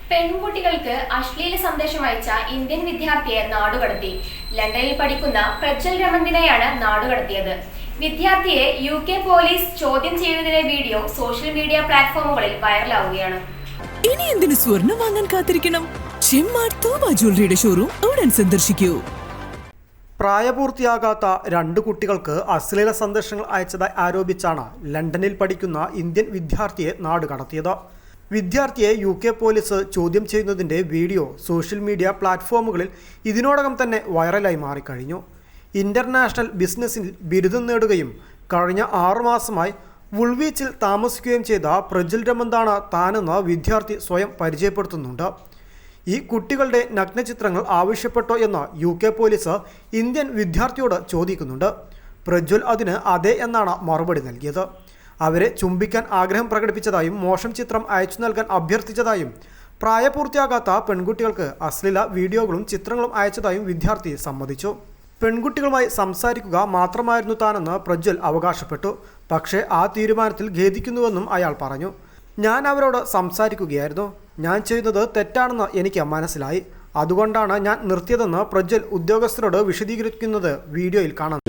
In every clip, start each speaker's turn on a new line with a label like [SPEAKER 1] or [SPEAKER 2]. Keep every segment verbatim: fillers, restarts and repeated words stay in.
[SPEAKER 1] പെൺകുട്ടികൾക്ക് അശ്ലീല സന്ദേശം അയച്ച ഇന്ത്യൻ വിദ്യാർത്ഥിയെ നാടുകടത്തി. ലണ്ടനിൽ പഠിക്കുന്ന പ്രജ്വൽ രമന്തിനെയാണ് നാടുകടത്തിയത്. വിദ്യാർത്ഥിയെ യു കെ പോലീസ് ചോദ്യം ചെയ്യുന്നതിന്റെ വീഡിയോ സോഷ്യൽ മീഡിയ പ്ലാറ്റ്ഫോമുകളിൽ വൈറലാവുകയാണ്.
[SPEAKER 2] ഇനി എന്തിനു സ്വർണം വാങ്ങാൻ കാത്തിരിക്കണം? ചെമ്മാട് തൂബ ജ്വല്ലറിയുടെ ഷോറൂം ഉടൻ സന്ദർശിക്കൂ.
[SPEAKER 3] പ്രായപൂർത്തിയാകാത്ത രണ്ട് കുട്ടികൾക്ക് അശ്ലീല സന്ദേശങ്ങൾ അയച്ചതായി ആരോപിച്ചാണ് ലണ്ടനിൽ പഠിക്കുന്ന ഇന്ത്യൻ വിദ്യാർത്ഥിയെ നാടുകടത്തിയത്. വിദ്യാർത്ഥിയെ യു കെ പോലീസ് ചോദ്യം ചെയ്യുന്നതിൻ്റെ വീഡിയോ സോഷ്യൽ മീഡിയ പ്ലാറ്റ്ഫോമുകളിൽ ഇതിനോടകം തന്നെ വൈറലായി മാറിക്കഴിഞ്ഞു. ഇൻ്റർനാഷണൽ ബിസിനസ്സിൽ ബിരുദം നേടുകയും കഴിഞ്ഞ ആറുമാസമായി വുൾവിച്ചിൽ താമസിക്കുകയും ചെയ്ത പ്രജ്വൽ രമന്താണ് താനെന്ന് വിദ്യാർത്ഥി സ്വയം പരിചയപ്പെടുത്തുന്നുണ്ട്. ഈ കുട്ടികളുടെ നഗ്നചിത്രങ്ങൾ ആവശ്യപ്പെട്ടോ എന്ന് യു കെ പോലീസ് ഇന്ത്യൻ വിദ്യാർത്ഥിയോട് ചോദിക്കുന്നുണ്ട്. പ്രജ്വൽ അതിന് അതെ എന്നാണ് മറുപടി നൽകിയത്. അവരെ ചുംബിക്കാൻ ആഗ്രഹം പ്രകടിപ്പിച്ചതായും മോശം ചിത്രം അയച്ചു നൽകാൻ അഭ്യർത്ഥിച്ചതായും പ്രായപൂർത്തിയാകാത്ത പെൺകുട്ടികൾക്ക് അശ്ലീല വീഡിയോകളും ചിത്രങ്ങളും അയച്ചതായും വിദ്യാർത്ഥി സമ്മതിച്ചു. പെൺകുട്ടികളുമായി സംസാരിക്കുക മാത്രമായിരുന്നു താനെന്ന് പ്രജ്വൽ അവകാശപ്പെട്ടു. പക്ഷേ ആ തീരുമാനത്തിൽ ഖേദിക്കുന്നുവെന്നും അയാൾ പറഞ്ഞു. ഞാൻ അവരോട് സംസാരിക്കുകയായിരുന്നു. ഞാൻ ചെയ്യുന്നത് തെറ്റാണെന്ന് എനിക്ക് മനസ്സിലായി. അതുകൊണ്ടാണ് ഞാൻ നിർത്തിയതെന്ന് പ്രജ്വൽ ഉദ്യോഗസ്ഥരോട് വിശദീകരിക്കുന്നത് വീഡിയോയിൽ കാണാം.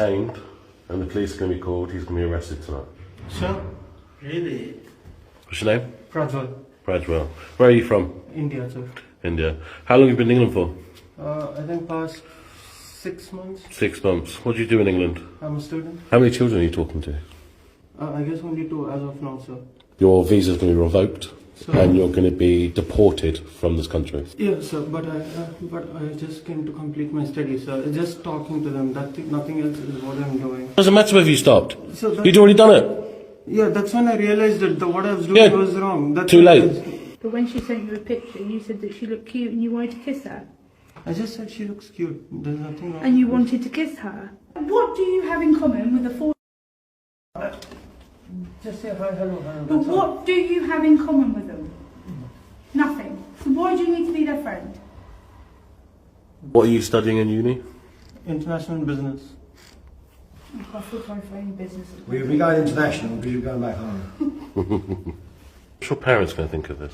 [SPEAKER 4] Sure. Really?
[SPEAKER 5] What's your name?
[SPEAKER 4] Prajwal.
[SPEAKER 5] Prajwal. Where are you from?
[SPEAKER 4] India, sir.
[SPEAKER 5] India. How long have you been in England for?
[SPEAKER 4] Uh, I think past six months.
[SPEAKER 5] Six months. What do you do in England?
[SPEAKER 4] I'm a student.
[SPEAKER 5] How many children are you talking to?
[SPEAKER 4] Uh, I guess only two as of now, sir.
[SPEAKER 5] Your visa's going to be revoked,
[SPEAKER 4] Sir.
[SPEAKER 5] and you're going to be deported from this country.
[SPEAKER 4] Yeah, sir. But I, uh, but I just came to complete my studies, sir. Just talking to them. That nothing else is what I'm doing.
[SPEAKER 5] Doesn't matter if you stopped.
[SPEAKER 4] So that,
[SPEAKER 5] You'd already done it.
[SPEAKER 4] Yeah, that's when I realized that the, what I was doing
[SPEAKER 5] Yeah.
[SPEAKER 4] was wrong. That's
[SPEAKER 5] Too
[SPEAKER 4] when
[SPEAKER 5] late.
[SPEAKER 4] I-
[SPEAKER 6] But when she sent you a picture, you said that she looked cute and you wanted to kiss her.
[SPEAKER 4] I just said she looks cute. There's nothing wrong.
[SPEAKER 6] And you
[SPEAKER 4] with
[SPEAKER 6] wanted to kiss her. What do you have in common with a four?
[SPEAKER 4] it. Just say hi, hello, hello.
[SPEAKER 6] But
[SPEAKER 4] That's all.
[SPEAKER 6] what do you have in common with them? Nothing. So why do you need to be their friend?
[SPEAKER 5] What are you studying in uni?
[SPEAKER 4] International business.
[SPEAKER 6] I feel sorry for any business.
[SPEAKER 7] We'll be going international because you're going back home.
[SPEAKER 5] What's your parents going to think of this?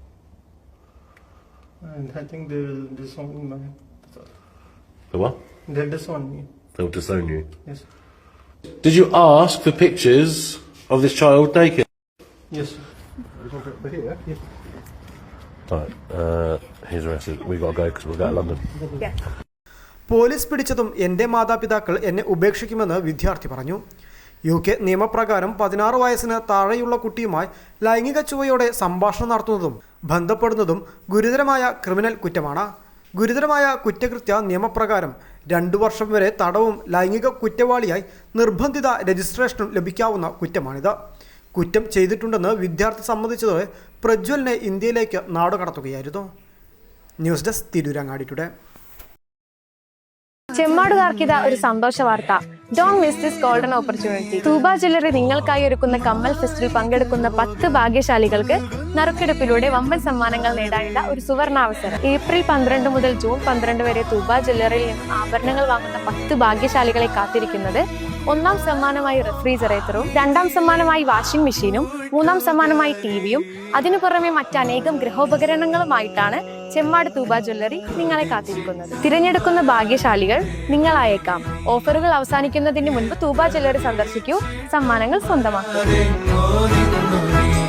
[SPEAKER 4] And I think they will disown me. That's all.
[SPEAKER 5] The what?
[SPEAKER 4] They'll disown me.
[SPEAKER 5] They'll disown you.
[SPEAKER 4] Yes.
[SPEAKER 5] Did you ask for pictures of this child naked?
[SPEAKER 4] Yes, sir.
[SPEAKER 5] Right. Uh, he's arrested. We've got to go because we'll go to London.
[SPEAKER 3] Police പിടിച്ചതും എൻ്റെ മാതാപിതാക്കൾ എന്നെ ഉപേക്ഷിക്കുമെന്ന് വിദ്യാർത്ഥി പറഞ്ഞു. U K നിയമപ്രകാരം പതിനാറ് വയസ്സിന് താഴെയുള്ള കുട്ടിയുമായി ലൈംഗിക ചുവയോടെ സംഭാഷണം നടത്തുന്നതും ബന്ധപ്പെടുന്നതും ഗുരുതരമായ ക്രിമിനൽ കുറ്റമാണ്. ഗുരുതരമായ കുറ്റകൃത്യ നിയമപ്രകാരം രണ്ടു വർഷം വരെ തടവും ലൈംഗിക കുറ്റവാളിയായി നിർബന്ധിത രജിസ്ട്രേഷനും ലഭിക്കാവുന്ന കുറ്റമാണിത്. കുറ്റം ചെയ്തിട്ടുണ്ടെന്ന് വിദ്യാർത്ഥി സമ്മതിച്ചതോടെ പ്രജ്വലിനെ ഇന്ത്യയിലേക്ക് നാടുകടത്തുകയായിരുന്നു. News desk Tirurangadi today.
[SPEAKER 8] ചെമ്മാടുകാർക്കിത ഒരു സന്തോഷ വാർത്ത. Don't miss this golden opportunity. Thooba jewellery നിങ്ങൾക്കായി ഒരുക്കുന്ന കമ്മൽ ഫെസ്റ്റിൽ പങ്കെടുക്കുന്ന പത്ത് ഭാഗ്യശാലികൾക്ക് നറുക്കെടുപ്പിലൂടെ വമ്പൻ സമ്മാനങ്ങൾ നേടാനുള്ള ഒരു സുവർണാവസരം. ഏപ്രിൽ പന്ത്രണ്ട് മുതൽ ജൂൺ പന്ത്രണ്ട് വരെ തൂബ ജ്വല്ലറിയിൽ നിന്ന് ആഭരണങ്ങൾ വാങ്ങുന്ന പത്ത് ഭാഗ്യശാലികളെ കാത്തിരിക്കുന്നത് ഒന്നാം സമ്മാനമായി റെഫ്രിജറേറ്ററും, രണ്ടാം സമ്മാനമായി വാഷിംഗ് മെഷീനും, മൂന്നാം സമ്മാനമായി ടി വിയും അതിനു പുറമെ മറ്റനേകം ഗൃഹോപകരണങ്ങളുമായിട്ടാണ് ചെമ്മാട് തൂബ ജ്വല്ലറി നിങ്ങളെ കാത്തിരിക്കുന്നത്. തിരഞ്ഞെടുക്കുന്ന ഭാഗ്യശാലികൾ നിങ്ങളായേക്കാം. ഓഫറുകൾ അവസാനിക്കുന്നതിന് മുൻപ് തൂബ ജ്വല്ലറി സന്ദർശിക്കൂ, സമ്മാനങ്ങൾ സ്വന്തമാക്കൂ.